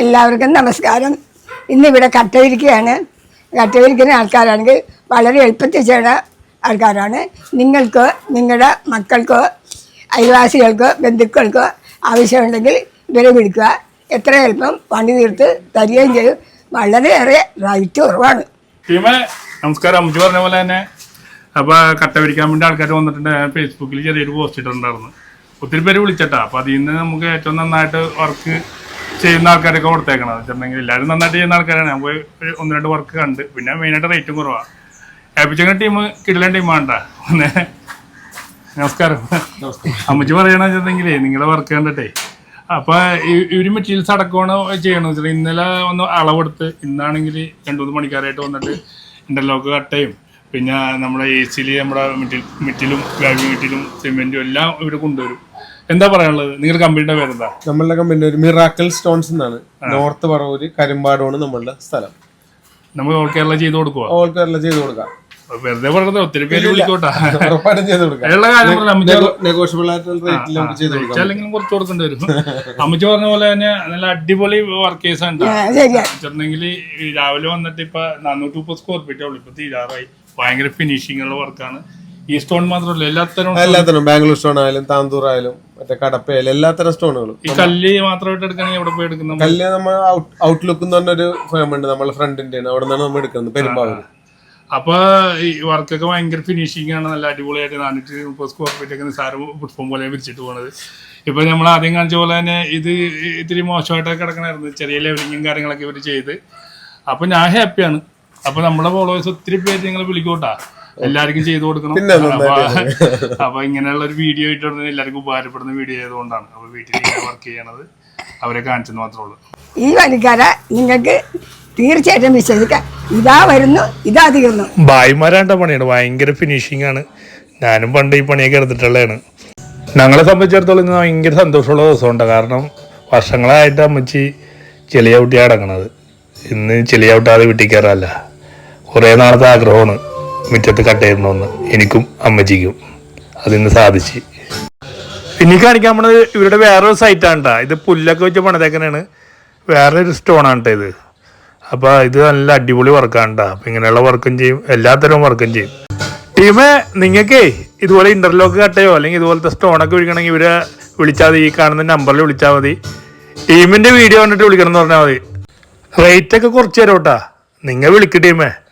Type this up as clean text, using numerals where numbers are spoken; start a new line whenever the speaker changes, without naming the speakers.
എല്ലാവർക്കും നമസ്കാരം. ഇന്നിവിടെ കട്ട വിരിക്കുകയാണ്. കട്ട വിരിക്കുന്ന ആൾക്കാരാണെങ്കിൽ വളരെ എളുപ്പത്തിൽ ചെയ്യുന്ന ആൾക്കാരാണ്. നിങ്ങൾക്ക് നിങ്ങളുടെ മക്കൾക്കോ അയൽവാസികൾക്കോ ബന്ധുക്കൾക്കോ ആവശ്യമുണ്ടെങ്കിൽ ഇവരെ വിളിക്കുക. എത്ര എളുപ്പം പണി തീർത്ത് തരികയും ചെയ്യും. വളരെയേറെ റൈറ്റ് കുറവാണ്.
നമസ്കാരം. അമ്മച്ചി പറഞ്ഞ പോലെ തന്നെ അപ്പോൾ കട്ട വിരിക്കാൻ വേണ്ടി ആൾക്കാർ വന്നിട്ടുണ്ട്. ഫേസ്ബുക്കിൽ ചെറിയൊരു പോസ്റ്റ് ഇട്ടിട്ടുണ്ടായിരുന്നു. ഒത്തിരി പേര് വിളിച്ചിട്ടാ. അപ്പോൾ അതിൽ നിന്ന് നമുക്ക് ഏറ്റവും നന്നായിട്ട് വർക്ക് ചെയ്യുന്ന ആൾക്കാരൊക്കെ കൊടുത്തേക്കണം. വെച്ചിട്ടുണ്ടെങ്കിൽ എല്ലാവരും നന്നായിട്ട് ചെയ്യുന്ന ആൾക്കാരാണ്. ഞാൻ പോയി ഒന്ന് രണ്ട് വർക്ക് കണ്ട്. പിന്നെ മെയിനായിട്ട് റേറ്റും കുറവാണ്. ഏൽപ്പിച്ചങ്ങനെ ടീം കിടലൻ ടീമാണ്ട. നമസ്കാരം. അമ്മച്ചി പറയണമെന്ന് വെച്ചിട്ടുണ്ടെങ്കിൽ നിങ്ങളുടെ വർക്ക് കണ്ടിട്ടേ അപ്പോൾ ഇവർ മെറ്റീരിയൽസ് അടക്കമാണ് ചെയ്യണമെന്ന് വെച്ചാൽ ഇന്നലെ ഒന്ന് അളവെടുത്ത് ഇന്നാണെങ്കിൽ 2-3 മണിക്കാരായിട്ട് വന്നിട്ട് ഇൻ്റർലോക്ക് കട്ടയും പിന്നെ നമ്മുടെ എ സിയിൽ നമ്മുടെ മെറ്റിലും വാല്യൂ മെറ്റിലും സിമെൻറ്റും എല്ലാം ഇവർ കൊണ്ടുവരും. എന്താ പറയാനുള്ളത്? നിങ്ങളുടെ കമ്പനിയുടെ പേരെന്താ?
നമ്മളുടെ കമ്പനി ഒരു മിറാക്കിൾ സ്റ്റോൺസ് എന്നാണ്. നോർത്ത് പറവൂര് കരിമ്പാടാണ് നമ്മളുടെ സ്ഥലം.
നമ്മൾ ഓൾ കേരള ചെയ്ത് കൊടുക്കുക.
ഓൾ കേരള ചെയ്ത് കൊടുക്കാം.
വെറുതെ പറഞ്ഞത് ഒത്തിരി പേര് വിളിക്കോട്ടാ.
ഉറപ്പായിട്ടും ചെയ്ത് കൊടുക്കാം. നെഗോഷ്യബിൾ ആയിട്ടുള്ള റേറ്റിൽ നമുക്ക് ചെയ്ത് കൊടുക്കാം.
അല്ലെങ്കിൽ കുറച്ച് കൊടുക്കേണ്ടി വരും. അമ്മച്ചി പറഞ്ഞ പോലെ തന്നെ നല്ല അടിപൊളി വർക്കേഴ്സ് ഉണ്ട്. വെച്ചിട്ടുണ്ടെങ്കിൽ രാവിലെ വന്നിട്ട് ഇപ്പൊ 430 സ്ക്വയർ ഫീറ്റേ ഉള്ളൂ. ഇപ്പൊ തീരാറായി. ഭയങ്കര ഫിനിഷിംഗ് ഉള്ള വർക്കാണ്. ഈ സ്റ്റോൺ മാത്രമല്ല എല്ലാത്തരം
ബാംഗ്ലൂർ സ്റ്റോൺ ആയാലും താന്തൂർ ആയാലും മറ്റേ കടപ്പയായാലും എല്ലാത്തരം സ്റ്റോണുകളും.
ഈ കല്ല് മാത്രമായിട്ട് എടുക്കണമെങ്കിൽ എവിടെ പോയി എടുക്കുന്നത്?
കല്ല് നമ്മൾ ഔട്ട്ലുക്ക് എന്ന് പറഞ്ഞൊരു ഫേം ഉണ്ട് നമ്മളെ ഫ്രണ്ടിന്റെ. അവിടെ നിന്നാണ് നമ്മൾ എടുക്കുന്നത്, പെരുമ്പാവൂർ.
അപ്പൊ ഈ വർക്കൊക്കെ ഭയങ്കര ഫിനിഷിംഗ് ആണ്. നല്ല അടിപൊളിയായിട്ട് 430 സ്ക്വയർ ഫീറ്റ് ഒക്കെ നിസ്സാര പുഷ്പം പോലെ വിരിച്ചിട്ട് പോണത്. ഇപ്പൊ നമ്മൾ ആദ്യം കാണിച്ച പോലെ തന്നെ ഇത് ഇത്തിരി മോശമായിട്ടൊക്കെ കിടക്കണമായിരുന്നു. ചെറിയ ലെവലിങ്ങും കാര്യങ്ങളൊക്കെ ഇവർ ചെയ്ത്. അപ്പൊ ഞാൻ ഹാപ്പിയാണ്. അപ്പൊ നമ്മുടെ ഫോളോവേഴ്സ് ഒത്തിരി പേര് നിങ്ങൾ വിളിക്കോട്ടാ. എല്ലാവർക്കും ചെയ്തു കൊടുക്കണം. അപ്പൊ ഇങ്ങനെയുള്ള ഒരു വീഡിയോ ഇട്ടുണ്ടെങ്കിൽ എല്ലാവർക്കും ഉപകാരപ്പെടുന്ന വീഡിയോ ആയതുകൊണ്ടാണ്. അപ്പൊ വീട്ടിൽ വർക്ക് ചെയ്യണത് അവരെ കാണിച്ചെന്ന് മാത്രമേ ഉള്ളൂ.
ഈ പണിക്കാരെ നിങ്ങൾക്ക് തീർച്ചയായിട്ടും വിശ്വസിക്കാം. ഇതാ വരുന്നു, ഇതാ തീർന്നു.
ഭായിമാരാണ്ട പണിയാണ്. ഭയങ്കര ഫിനിഷിംഗ് ആണ്. ഞാനും പണ്ട് ഈ പണിയൊക്കെ എടുത്തിട്ടുള്ളതാണ്. ഞങ്ങളെ സംബന്ധിച്ചിടത്തോളം ഇന്ന് ഭയങ്കര സന്തോഷമുള്ള ദിവസമുണ്ട്. കാരണം വർഷങ്ങളായിട്ട് അമ്മച്ചി ചെളിയൗട്ടി അടങ്ങണത്. ഇന്ന് ചെളിയൗട്ടാതെ വീട്ടിൽ കയറാല്ല. കുറേ നാളത്തെ ആഗ്രഹമാണ് മുറ്റത്ത് കട്ടയിടണമെന്ന് എനിക്കും അമ്മച്ചിക്കും. അതിന്ന് സാധിച്ച്. ഇനി കാണിക്കാൻ പോണത് ഇവരുടെ വേറൊരു സൈറ്റാണ് കേട്ടോ. ഇത് പുല്ലൊക്കെ വെച്ച് പണിതേക്കനാണ്. വേറൊരു സ്റ്റോണാണ് കേട്ടോ ഇത്. അപ്പോൾ ഇത് നല്ല അടിപൊളി വർക്കാണ് കേട്ടോ. അപ്പം ഇങ്ങനെയുള്ള വർക്കും ചെയ്യും, എല്ലാത്തരം വർക്കും ചെയ്യും. ടീമേ, നിങ്ങൾക്കേ ഇതുപോലെ ഇൻ്റർലോക്ക് കട്ടയോ അല്ലെങ്കിൽ ഇതുപോലത്തെ സ്റ്റോണൊക്കെ വിളിക്കണമെങ്കിൽ ഇവരെ വിളിച്ചാൽ മതി. ഈ കാണുന്ന നമ്പറിൽ വിളിച്ചാൽ മതി. ടീമിൻ്റെ വീഡിയോ കണ്ടിട്ട് വിളിക്കണം എന്ന് പറഞ്ഞാൽ മതി. റേറ്റൊക്കെ കുറച്ച് തരാം കേട്ടോ. നിങ്ങൾ വിളിക്കും ടീമേ.